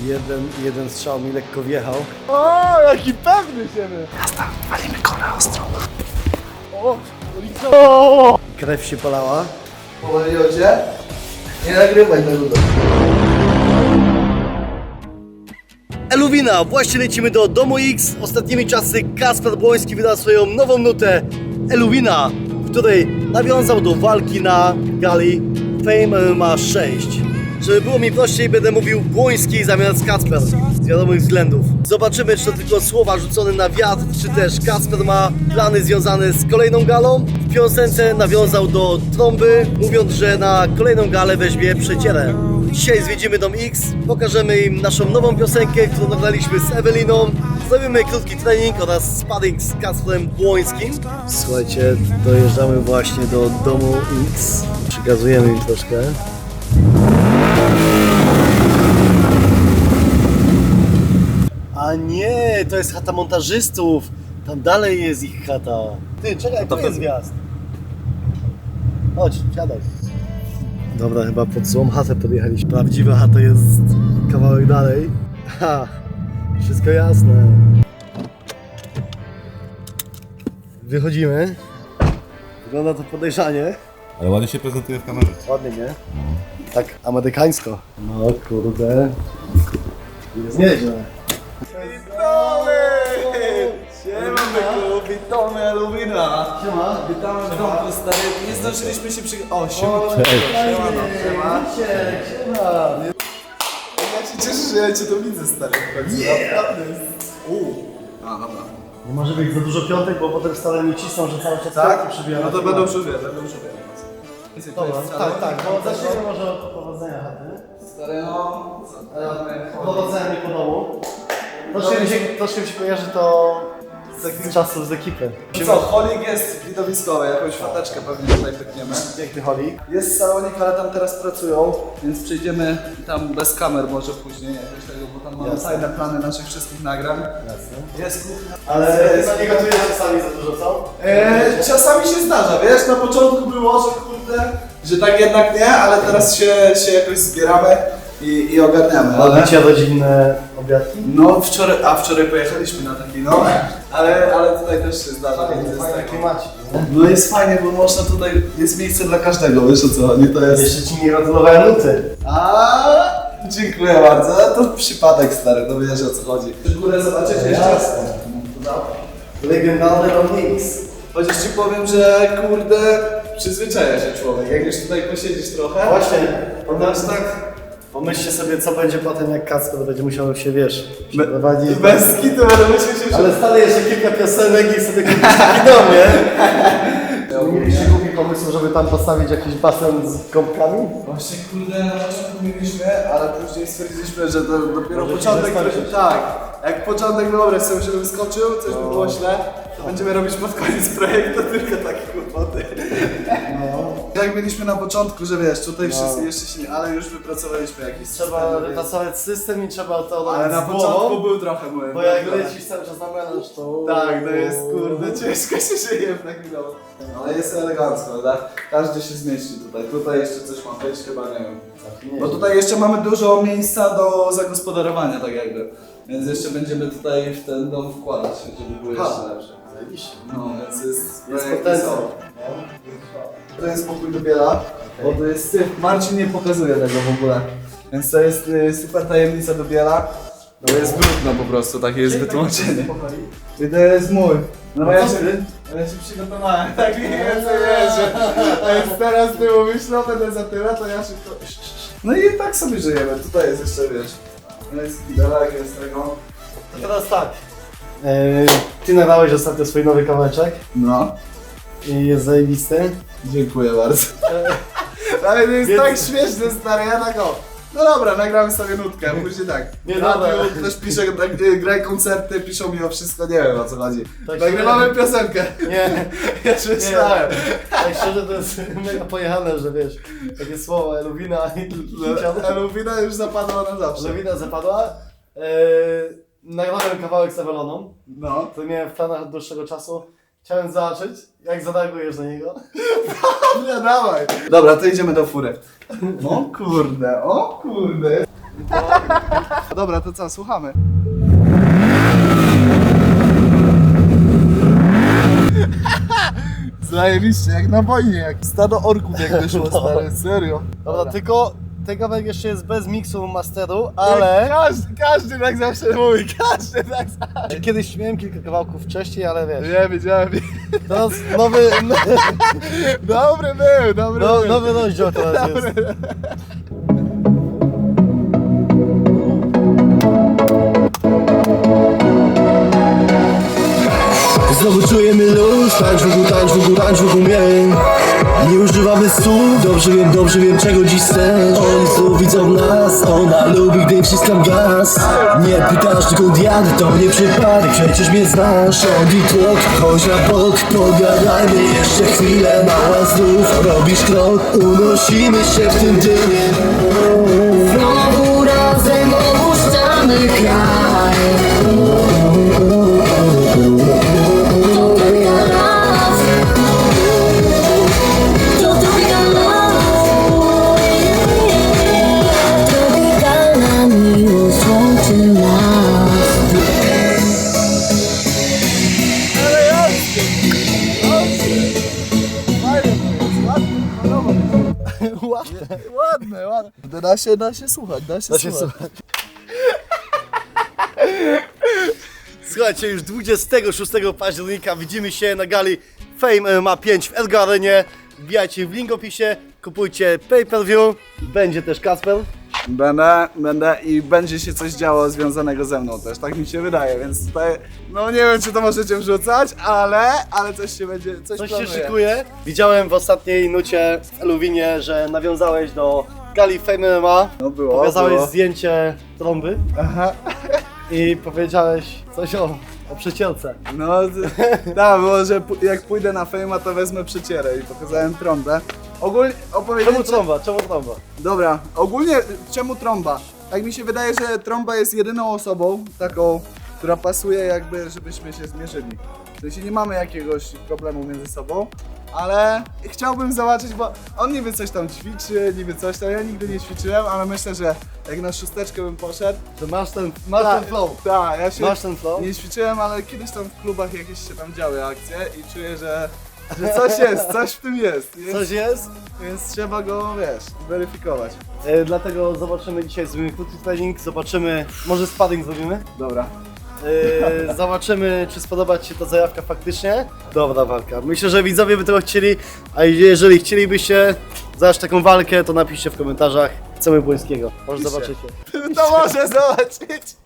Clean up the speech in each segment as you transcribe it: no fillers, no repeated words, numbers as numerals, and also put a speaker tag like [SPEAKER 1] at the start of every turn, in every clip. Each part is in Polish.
[SPEAKER 1] Jeden strzał mi lekko wjechał.
[SPEAKER 2] O, jaki pewny siebie!
[SPEAKER 1] Jazda, walimy kolę ostro.
[SPEAKER 2] O!
[SPEAKER 1] Krew się polała.
[SPEAKER 3] Pomyliło cię? Nie nagrywaj tego.
[SPEAKER 1] Eluwina, właśnie lecimy do Domu X. Ostatnimi czasy Kacper Błoński wydał swoją nową nutę Eluwina, w której nawiązał do walki na gali Fame MMA 6. Żeby było mi prościej, będę mówił Błoński zamiast Kacper, z wiadomych względów. Zobaczymy, czy to tylko słowa rzucone na wiatr, czy też Kacper ma plany związane z kolejną galą. W piosence nawiązał do trąby, mówiąc, że na kolejną galę weźmie przecierę. Dzisiaj zwiedzimy Dom X, pokażemy im naszą nową piosenkę, którą nagraliśmy z Eweliną. Zrobimy krótki trening oraz sparring z Kacprem Błońskim. Słuchajcie, dojeżdżamy właśnie do Domu X. Przekazujemy im troszkę. A nie, to jest chata montażystów. Tam dalej jest ich chata. Ty, czekaj, to jest wjazd. Chodź, siadaj. Dobra, chyba pod złą chatę podjechaliśmy. Prawdziwa chata jest kawałek dalej. Ha, wszystko jasne. Wychodzimy. Wygląda to podejrzanie.
[SPEAKER 4] Ale ładnie się prezentuje w kamerze.
[SPEAKER 1] Ładnie, nie? Tak amerykańsko. No kurde. Jest nieźle.
[SPEAKER 3] Siema byku, witamy Eluwina.
[SPEAKER 1] Siema.
[SPEAKER 3] Witamy w domku stary, nie zdążyliśmy się o, siema. Siema.
[SPEAKER 1] Siema.
[SPEAKER 3] Ja się cieszę, że ja cię tu widzę stary. Naprawdę. A, dobra.
[SPEAKER 1] Nie może być za dużo piątek, bo potem stale mi cisną, że cały czas piątki przybijają.
[SPEAKER 3] No to będą przybierać.
[SPEAKER 1] Dobra, tak, bo zacznijmy może od powodzenia chaty.
[SPEAKER 3] Stary, no.
[SPEAKER 1] Powodzenia mi po domu. Troszkę mi się kojarzy to z czasów z ekipy.
[SPEAKER 3] Co, holik jest widowiskowy, jakąś fateczkę pewnie tutaj pykniemy.
[SPEAKER 1] Piękny holik.
[SPEAKER 3] Jest salonik, ale tam teraz pracują, więc przejdziemy tam bez kamer może później jakoś tego, bo tam mamy
[SPEAKER 1] Jasne.
[SPEAKER 3] tajne plany naszych wszystkich nagrań.
[SPEAKER 1] Jasne.
[SPEAKER 3] Jest kuchnia.
[SPEAKER 1] Ale nie gotujesz czasami za dużo, co?
[SPEAKER 3] Czasami się zdarza, wiesz, na początku było, że kurde, że tak jednak nie, ale teraz się jakoś zbieramy i ogarniamy.
[SPEAKER 1] Robicie rodzinne obiadki?
[SPEAKER 3] No wczoraj pojechaliśmy na taki, no, ale tutaj też się zdarza. Więc jest
[SPEAKER 1] Fajne
[SPEAKER 3] taki,
[SPEAKER 1] klimacik, nie?
[SPEAKER 3] no jest fajnie, bo można tutaj, jest miejsce dla każdego, wiesz o co chodzi, to jest...
[SPEAKER 1] Jeszcze ci nie gratulowałem nuty.
[SPEAKER 3] Dziękuję bardzo, to przypadek stary, to wiesz o co chodzi. Górę zobaczyć jeszcze?
[SPEAKER 1] Jasne. Legendarny Dom X.
[SPEAKER 3] Chociaż ci powiem, że kurde, przyzwyczaja się człowiek, jak już tutaj posiedzisz trochę.
[SPEAKER 1] Właśnie,
[SPEAKER 3] Potem tak...
[SPEAKER 1] pomyślcie sobie, co będzie potem, jak Kacper będzie musiał się, wiesz, przeprowadzić.
[SPEAKER 3] Bez kitu będę myśleć, że...
[SPEAKER 1] Ale stale jeszcze kilka piosenek i sobie kupić taki dom, nie? Mieliście głupi pomysł, żeby tam postawić jakiś basen z gąbkami?
[SPEAKER 3] Właśnie kurde, na początku mieliśmy, ale później stwierdziliśmy, że to dopiero
[SPEAKER 1] Może
[SPEAKER 3] początek,
[SPEAKER 1] się zaskoczyć.
[SPEAKER 3] tak. Jak początek dobry, sobie się wyskoczył, coś by było źle, to będziemy robić pod koniec projektu tylko takie kłopoty. Jak mieliśmy na początku, że wiesz, tutaj wszyscy jeszcze się nie, ale już wypracowaliśmy jakiś
[SPEAKER 1] Trzeba
[SPEAKER 3] system,
[SPEAKER 1] wypracować system i trzeba to
[SPEAKER 3] ale
[SPEAKER 1] robić
[SPEAKER 3] na
[SPEAKER 1] z
[SPEAKER 3] początku
[SPEAKER 1] głową,
[SPEAKER 3] był trochę mój.
[SPEAKER 1] bo jak lecisz cały czas na melanż, to...
[SPEAKER 3] Tak, to jest kurde, ciężko się żyje w takim domu. Ale jest elegancko, prawda? Każdy się zmieści tutaj. Tutaj jeszcze coś ma być, chyba nie wiem. Bo tutaj jeszcze mamy dużo miejsca do zagospodarowania, tak jakby. Więc jeszcze będziemy tutaj w ten dom wkładać się, żeby było jeszcze lepsze.
[SPEAKER 1] Zajebiście.
[SPEAKER 3] No, więc jest
[SPEAKER 1] potencjał.
[SPEAKER 3] To jest pokój do biela, bo to jest syf. Marcin nie pokazuje tego w ogóle. Więc to jest super tajemnica do biela. To jest brudno po prostu, takie jest wytłumaczenie. I to jest mój. No ja się przygotowałem, tak mniej więcej wiesz, że to jest teraz ty mówisz, no będę za tyle, to ja szybko... No i tak sobie żyjemy, tutaj jest jeszcze, wiesz, jest kidelek, jest tego.
[SPEAKER 1] To teraz tak. Ty nagrałeś ostatnio swój nowy kawałeczek
[SPEAKER 3] No,
[SPEAKER 1] i jest zajebisty.
[SPEAKER 3] dziękuję bardzo. Ale to jest
[SPEAKER 1] Więc-
[SPEAKER 3] tak śmieszne, stary, ja tak o. No dobra, nagramy sobie nutkę, później tak.
[SPEAKER 1] Nie,
[SPEAKER 3] Radio
[SPEAKER 1] dobra.
[SPEAKER 3] też pisze, graj koncerty, piszą mi o wszystko, nie wiem o co chodzi.
[SPEAKER 1] Tak
[SPEAKER 3] Nagrywamy piosenkę.
[SPEAKER 1] Nie,
[SPEAKER 3] Ja już myślałem.
[SPEAKER 1] tak szczerze to jest mega pojechane, że wiesz, takie słowa Eluwina i
[SPEAKER 3] Eluwina już zapadła na zawsze.
[SPEAKER 1] Eluwina zapadła. Nagrałem kawałek z Eweloną,
[SPEAKER 3] No.
[SPEAKER 1] to miałem w planach od dłuższego czasu. Chciałem zobaczyć, jak zareagujesz na niego.
[SPEAKER 3] Nie, dawaj. Dobra, to idziemy do fury. O kurde, o kurde. Dobra, to co, słuchamy. Zajebiście, jak na wojnie, jak stado orków jak wyszło, stary, serio.
[SPEAKER 1] Dobra, tylko ten kawałek jeszcze jest bez miksu masteru, ale
[SPEAKER 3] Każdy tak zawsze mówi, każdy tak zawsze.
[SPEAKER 1] kiedyś miałem kilka kawałków wcześniej, ale wiesz,
[SPEAKER 3] Nie wiedziałem.
[SPEAKER 1] teraz nowy,
[SPEAKER 3] Dobry był.
[SPEAKER 1] nowy rozdział teraz jest. Znowu czujemy luz, tańcz wokół mnie. Nie używamy słów, dobrze wiem czego dziś chcesz. Oni znów widzą nas, ona lubi gdy wciskam gaz. Nie pytasz dokąd jadę, to nie przypadek, przecież mnie znasz. Odi tłok, chodź na bok, pogadajmy jeszcze chwilę. Mała znów, robisz krok, unosimy się w tym dymie.
[SPEAKER 5] Znowu razem opuszczamy kraj. To tropikalna miłość łączy nas.
[SPEAKER 3] Ładne. Da się słuchać, da się słuchać.
[SPEAKER 1] Słuchajcie, już 26 października widzimy się na gali Fame MMA 5 w Edgar Arenie. Wbijajcie w link w opisie, kupujcie pay-per-view, będzie też Kacper.
[SPEAKER 3] Będę i będzie się coś działo związanego ze mną też, tak mi się wydaje, więc tutaj, no nie wiem czy to możecie wrzucać, ale coś się będzie, coś
[SPEAKER 1] Coś się
[SPEAKER 3] planuję.
[SPEAKER 1] szykuje. Widziałem w ostatniej nucie w Eluwinie, że nawiązałeś do gali Fame MMA.
[SPEAKER 3] No było.
[SPEAKER 1] Pokazałeś zdjęcie trąby
[SPEAKER 3] Aha.
[SPEAKER 1] i powiedziałeś coś o przycielce.
[SPEAKER 3] No, tak, było, że jak pójdę na Fame'a, to wezmę przycierę i pokazałem trąbę. Ogólnie opowiedzieć...
[SPEAKER 1] Czemu trąba? Czemu trąba?
[SPEAKER 3] Dobra, ogólnie czemu trąba? Tak mi się wydaje, że trąba jest jedyną osobą taką, która pasuje jakby, żebyśmy się zmierzyli. W sensie nie mamy jakiegoś problemu między sobą, ale chciałbym zobaczyć, bo on niby coś tam ćwiczy, niby coś tam, ja nigdy nie ćwiczyłem, ale myślę, że jak na szósteczkę bym poszedł.
[SPEAKER 1] Że masz ten flow.
[SPEAKER 3] Tak, ja się
[SPEAKER 1] Masz ten flow?
[SPEAKER 3] nie ćwiczyłem, ale kiedyś tam w klubach jakieś się tam działy akcje i czuję, że coś jest, coś w tym jest.
[SPEAKER 1] Coś jest?
[SPEAKER 3] Więc trzeba go, wiesz, weryfikować.
[SPEAKER 1] Dlatego zobaczymy dzisiaj, zrobimy krótki trening, zobaczymy, może sparring zrobimy?
[SPEAKER 3] Dobra.
[SPEAKER 1] Zobaczymy, czy spodoba Ci się ta zajawka faktycznie. Dobra walka. Myślę, że widzowie by tego chcieli, a jeżeli chcielibyście zaś taką walkę, to napiszcie w komentarzach. Chcemy Błońskiego. Może zobaczycie.
[SPEAKER 3] To może zobaczyć.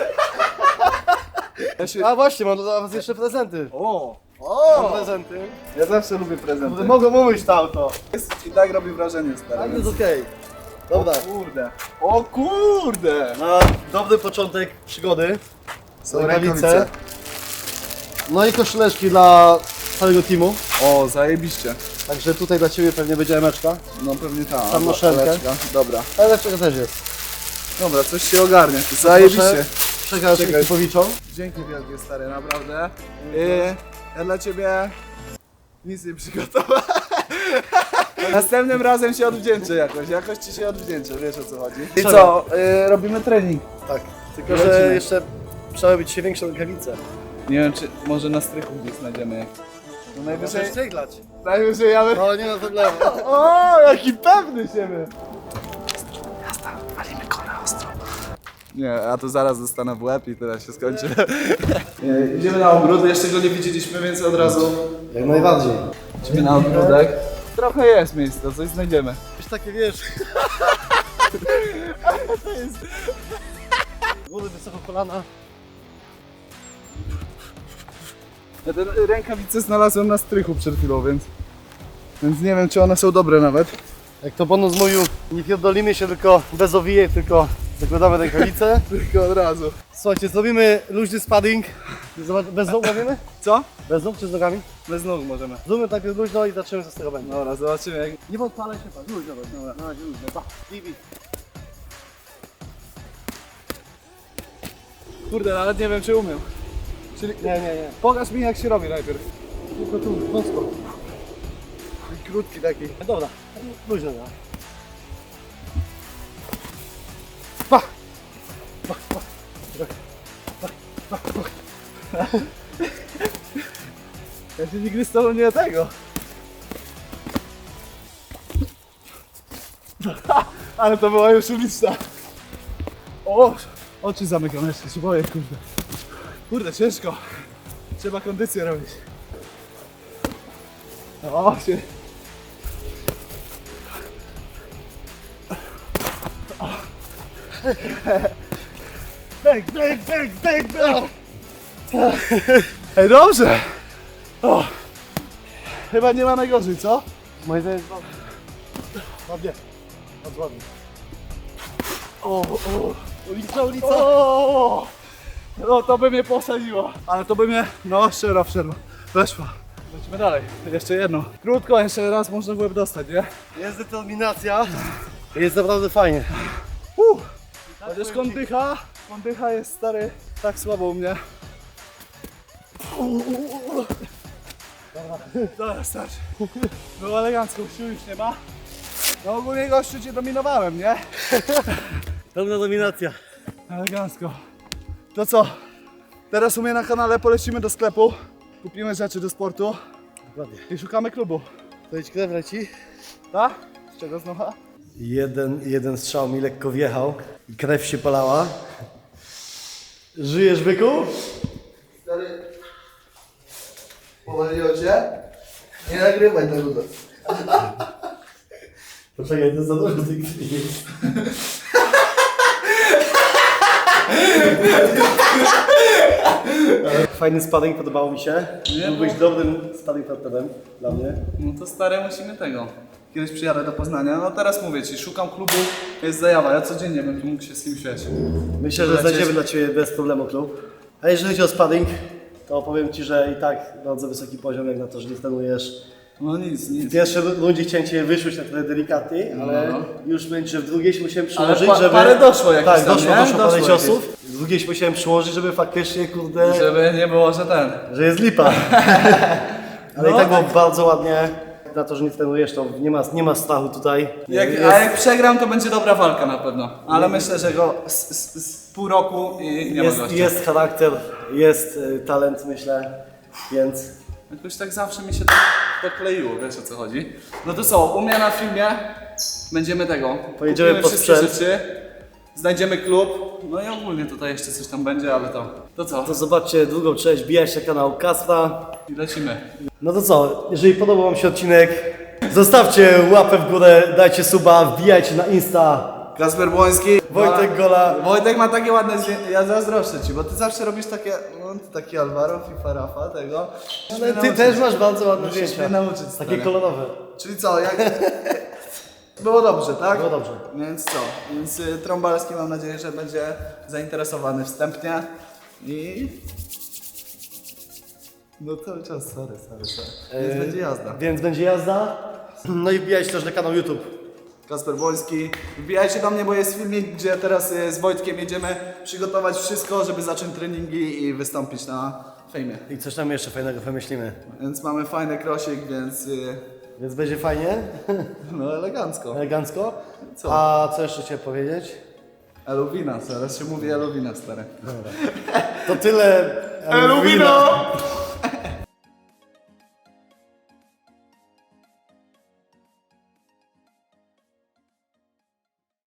[SPEAKER 3] Ja się...
[SPEAKER 1] A właśnie, mam dla Was jeszcze prezenty. Mam prezenty.
[SPEAKER 3] Ja zawsze lubię prezenty.
[SPEAKER 1] Mogę mówić to auto.
[SPEAKER 3] I tak robi wrażenie, stary.
[SPEAKER 1] Tak
[SPEAKER 3] więc-
[SPEAKER 1] jest okej. Dobra.
[SPEAKER 3] O kurde!
[SPEAKER 1] Na dobry początek przygody.
[SPEAKER 3] Są
[SPEAKER 1] Rękawice. No i koszuleczki dla całego teamu.
[SPEAKER 3] O, zajebiście.
[SPEAKER 1] Także tutaj dla Ciebie pewnie będzie emeczka.
[SPEAKER 3] No pewnie ta.
[SPEAKER 1] Tam noszenkę.
[SPEAKER 3] paleczka. Dobra.
[SPEAKER 1] Emeczka też jest.
[SPEAKER 3] Dobra, coś się ogarnie. Zajebiście.
[SPEAKER 1] Przekaż
[SPEAKER 3] Czekaj.
[SPEAKER 1] ekipowiczom.
[SPEAKER 3] Dzięki wielkie, stary, naprawdę. Ja dla ciebie nic nie przygotowałem. Następnym razem się odwdzięczę jakoś ci się odwdzięczę, wiesz o co chodzi. I
[SPEAKER 1] Trzeba.
[SPEAKER 3] co, robimy trening.
[SPEAKER 1] Tak. Tylko,
[SPEAKER 3] Lecimy.
[SPEAKER 1] że jeszcze trzeba robić się większe rękawice.
[SPEAKER 3] Nie wiem, czy może na strychu gdzieś znajdziemy. No najwyżej,
[SPEAKER 1] Możesz tryglać.
[SPEAKER 3] najwyżej ja bym...
[SPEAKER 1] No nie ma problemu.
[SPEAKER 3] O, jaki pewny siebie! Nie, a to zaraz dostanę w łeb i teraz się skończy. Nie, idziemy na ogród, jeszcze go nie widzieliśmy, więc od razu
[SPEAKER 1] Jak najbardziej.
[SPEAKER 3] idziemy na ogródek. Trochę jest miejsca, coś znajdziemy.
[SPEAKER 1] Już takie wiesz. To jest. Góry wysoko kolana.
[SPEAKER 3] Ja te rękawice znalazłem na strychu przed chwilą, więc nie wiem, czy one są dobre nawet.
[SPEAKER 1] Jak to bonus mówił, nie pierdolimy się tylko bez owijek, tylko zakładamy rękawice.
[SPEAKER 3] Tylko od razu.
[SPEAKER 1] Słuchajcie, zrobimy luźny sparring. Zobacz, bez nóg robimy?
[SPEAKER 3] Co?
[SPEAKER 1] Bez nóg czy z nogami?
[SPEAKER 3] Bez nóg możemy.
[SPEAKER 1] Zróbmy najpierw luźno i zaczniemy co z tego będzie.
[SPEAKER 3] Dobra, zobaczymy jak...
[SPEAKER 1] Nie podpalaj się pan, luźno, dobra, na razie luźno, pa, bibi.
[SPEAKER 3] Kurde, nawet nie wiem, czy umiem. Czyli...
[SPEAKER 1] Nie.
[SPEAKER 3] Pokaż mi, jak się robi najpierw.
[SPEAKER 1] Tylko tu, wąsko.
[SPEAKER 3] Krótki taki.
[SPEAKER 1] Dobra, luźno, no. Pa!
[SPEAKER 3] Ja się nigdy z tobą nie tego. Ale to była już uliczna. O, oczy zamykam jeszcze, się boję, kurde. Kurde, ciężko. Trzeba kondycję robić. O, się... Bang, bang, bang, bang, bang. Ej, dobrze. O, chyba nie ma najgorzej, co?
[SPEAKER 1] Moje zdaniem
[SPEAKER 3] Ładnie. Bardzo ładnie.
[SPEAKER 1] ulica, ulica.
[SPEAKER 3] O, no to by mnie posadziło. Ale to by mnie, no szczero, weszła. Lecimy dalej. Jeszcze jedno. Krótko, jeszcze raz można w łeb dostać, nie?
[SPEAKER 1] Jest determinacja. Jest naprawdę fajnie.
[SPEAKER 3] Chociaż kondycha jest stary tak słabo u mnie. Dobra, starczy. Było elegancko, sił już nie ma. No ogólnie gościu cię dominowałem, nie?
[SPEAKER 1] Pełna dominacja.
[SPEAKER 3] Elegancko. To co? Teraz u mnie na kanale polecimy do sklepu. Kupimy rzeczy do sportu
[SPEAKER 1] Dokładnie.
[SPEAKER 3] i szukamy klubu.
[SPEAKER 1] To idź krew leci.
[SPEAKER 3] Tak? Z czego znowu?
[SPEAKER 1] Jeden strzał mi lekko wjechał i krew się polała. Żyjesz, byku?
[SPEAKER 3] Stary, powaliło cię? Nie nagrywaj tego.
[SPEAKER 1] Poczekaj, to jest za dużo tych jest. Fajny sparring, podobało mi się. Byłbyś dobrym sparring partnerem dla mnie.
[SPEAKER 3] No to stare musimy tego. Kiedyś przyjadę do Poznania. No teraz mówię ci, szukam klubu, jest zajawa. Ja codziennie bym tu mógł się z kimś wiesz.
[SPEAKER 1] Myślę, że
[SPEAKER 3] Lecieć.
[SPEAKER 1] znajdziemy dla Ciebie bez problemu klub. A jeżeli chodzi o sparring, to powiem Ci, że i tak bardzo wysoki poziom, jak na to, że nie trenujesz.
[SPEAKER 3] No nic.
[SPEAKER 1] W pierwszej rundzie chciałem Cię wyszłeś na trochę delikatnie, ale już będzie w drugiej się musiałem
[SPEAKER 3] Ale
[SPEAKER 1] przyłożyć, żeby...
[SPEAKER 3] parę doszło jakieś
[SPEAKER 1] Tak,
[SPEAKER 3] tam,
[SPEAKER 1] doszło
[SPEAKER 3] nie?
[SPEAKER 1] parę
[SPEAKER 3] Doszło
[SPEAKER 1] ciosów. W drugiej się musiałem przyłożyć, żeby faktycznie, kurde,
[SPEAKER 3] Żeby nie było, że ten.
[SPEAKER 1] że jest lipa. Ale
[SPEAKER 3] No
[SPEAKER 1] i tak było
[SPEAKER 3] tak.
[SPEAKER 1] bardzo ładnie. Na to, że nie trenujesz, to nie ma strachu tutaj.
[SPEAKER 3] A jak przegram, to będzie dobra walka na pewno. Ale myślę, że go z pół roku i nie ma gościa.
[SPEAKER 1] Jest charakter, jest talent, myślę, więc...
[SPEAKER 3] Jakoś tak zawsze mi się to kleiło, wiesz o co chodzi. No to co, u mnie na filmie będziemy tego.
[SPEAKER 1] Pojedziemy
[SPEAKER 3] kupimy
[SPEAKER 1] po
[SPEAKER 3] wszystkie
[SPEAKER 1] sprzęt.
[SPEAKER 3] rzeczy, znajdziemy klub, no i ogólnie tutaj jeszcze coś tam będzie, ale to co?
[SPEAKER 1] To zobaczcie drugą część, wbijajcie na kanał Kacpra.
[SPEAKER 3] I lecimy.
[SPEAKER 1] No to co, jeżeli podobał Wam się odcinek, zostawcie łapę w górę, dajcie suba, wbijajcie na Insta.
[SPEAKER 3] Kasper Błoński.
[SPEAKER 1] Wojtek Gola.
[SPEAKER 3] Wojtek ma takie ładne zdjęcia, ja zazdroszczę ci, bo ty zawsze robisz takie, no ty taki Alvaro, FIFA, Rafa, tego.
[SPEAKER 1] Ale Ty też masz bardzo ładne
[SPEAKER 3] Musisz mnie
[SPEAKER 1] zdjęcia.
[SPEAKER 3] nauczyć,
[SPEAKER 1] Takie
[SPEAKER 3] stary.
[SPEAKER 1] kolorowe.
[SPEAKER 3] Czyli co, jak... Było dobrze, tak?
[SPEAKER 1] Było dobrze.
[SPEAKER 3] Więc co? Więc Trąbalski mam nadzieję, że będzie zainteresowany wstępnie i... No cały czas, sorry. Więc będzie jazda.
[SPEAKER 1] Więc będzie jazda. No i wbijajcie też na kanał YouTube.
[SPEAKER 3] Kasper Błoński. Wbijajcie do mnie, bo jest filmik, gdzie teraz z Wojtkiem jedziemy przygotować wszystko, żeby zacząć treningi i wystąpić na fejmie.
[SPEAKER 1] I coś tam jeszcze fajnego wymyślimy.
[SPEAKER 3] Więc mamy fajny krosik, więc
[SPEAKER 1] Więc będzie fajnie,
[SPEAKER 3] no elegancko.
[SPEAKER 1] elegancko.
[SPEAKER 3] Co?
[SPEAKER 1] A co jeszcze chciałem powiedzieć?
[SPEAKER 3] Eluwina, teraz się mówi Eluwina, stary.
[SPEAKER 1] To tyle.
[SPEAKER 3] Eluwino!